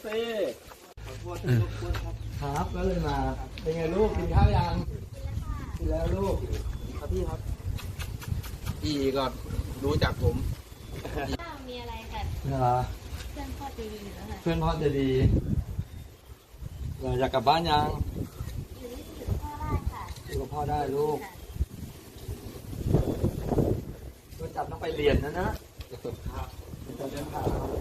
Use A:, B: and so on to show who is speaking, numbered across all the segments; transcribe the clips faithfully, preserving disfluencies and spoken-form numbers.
A: สิขอโทษที่รบกวนครับครับก็เลยมาเป็นไงลูกกินข้าวยังกินแล้วลูกครับพี่ครับพี่ก็รู้จักผม
B: มีอะไรกัน
A: เหรอ
B: เพื่อนพ่อจะดีแล้วค่ะ
A: เพื่อนพ่อจะดีอยากกลับบ้านยัง
B: อยู่ที่อยู่พ่อได้ค่ะ
A: อยู่กับพ่อได้ลูกก็จับต้องไปเรียนนะนะครับจะเดินผ่าน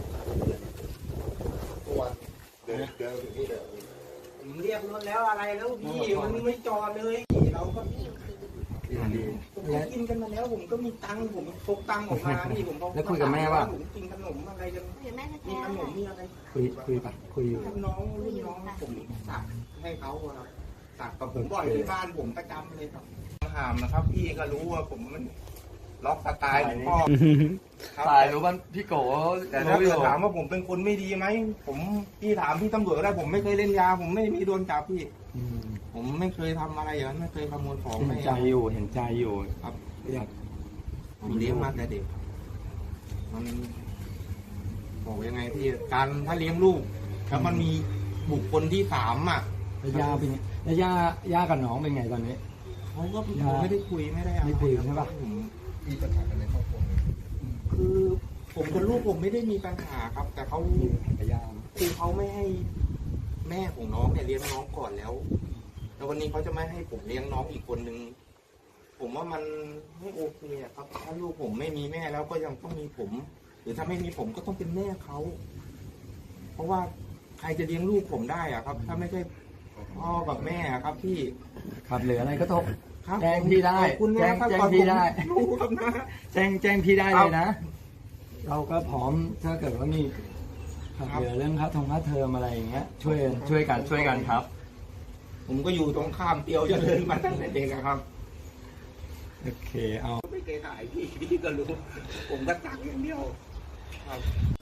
A: ตัวเดินเดินถึงนี่เดิน
C: ผมเรียกรถแล้วอะไรแล้วพี่มันไม่จอดเลยเราก็ผมกินกันมาแล้วผมก็มีตังค์ผมพกตังค์ออกมาพี่ผม
A: แล้วคุยกับแม่ว่า
C: ผมกินขนมอะไรกันมีขนมมีอะไร
A: คุยคุยปะคุยอยู่
C: น้องรุ่นน้องผมสักให้เขาครับสักกับผมบ่อยที่บ้านผมประจำเลยครับหามนะครับพี่ก็รู้ว่าผมมันล็อกสไตล์พ่อ
A: ตายรู้ว่าพี่โก
C: แต่ถ้าเกิดถามว่าผมเป็นคนไม่ดีไหมผมพี่ถามพี่ตำรวจได้ผมไม่เคยเล่นยาผมไม่มีโดนจับพี่ผมไม่เคยทำอะไรอย่างนั้นไม่เคยขโมยของ
A: เห็นใจอยู่เห็นใจอยู่
C: ครับอยากผมเลี้ยงมาแต่เด็กมันบอกยังไงพี่การถ้าเลี้ยงลูกแล้วมันมีบุคคลที่สามอ่ะ
A: ย่าเป็นแล้วย่าย่ากับน้องเป็นไงตอนนี้
C: เขาก็ไม่ได้คุยไม่ได้
A: ไม่คุยใช่ปะ
C: มีปัญหากันในครอบครัวคือผมกับลูกผมไม่ได้มีปัญหาครับ แต่เขาคือเขาไม่ให้แม่ของน้องเนี่ยเลี้ยงน้องก่อนแล้วแล้ววันนี้เขาจะไม่ให้ผมเลี้ยงน้องอีกคนนึงผมว่ามันไม่โอเคครับถ้าลูกผมไม่มีแม่แล้วก็ยังต้องมีผม หรือถ้าไม่มีผมก็ต้องเป็นแม่เขาเพราะว่าใครจะเลี้ยงลูกผมได้อะครับ ถ้าไม่ใช่พ่อกับแม่ครับพี่
A: ครับเหลืออะไรก็ต้องแจ้งพี่ได้แจ้งแจ้งพี่ได้แจ้งแจ้งพี่ได้เลยนะเราก็พร้อมถ้าเกิดว่ามีเหลือเรื่องค่าทงค่าเทอมอะไรอย่างเงี้ยช่วยช่วยกันช่วยกันครับ
C: ผมก็อยู่ตรงข้ามเตียวเจริญมาตั้งแต่เด็กครับ
A: โอเคเอา
C: ไม่เคยถ่ายพี่พี่ก็รู้ผมก็ตักอย่างเดียวครับ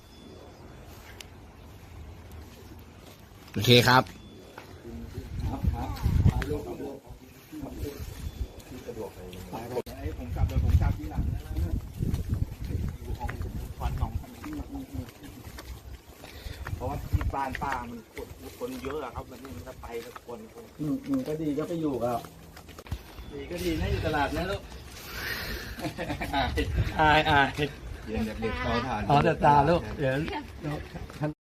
A: โอเคครับครับครับลูกกับลูกสะดวกเลยผมจับเลยผมจับที่หลังนะอยู่ห้องควันของ
C: เพราะว่าที่บ้านป้ามันคนเยอะครับมันนี่มันจะไปกับคนคน
A: อืมอืมก็ดีก็ไปอยู่กับดีก็ดีนะอยู่ตลาดนะลูกอายอาย
C: เดี๋ยวเด็กเขาทาน
A: อ๋อแต่ตาลูกเดี๋ยว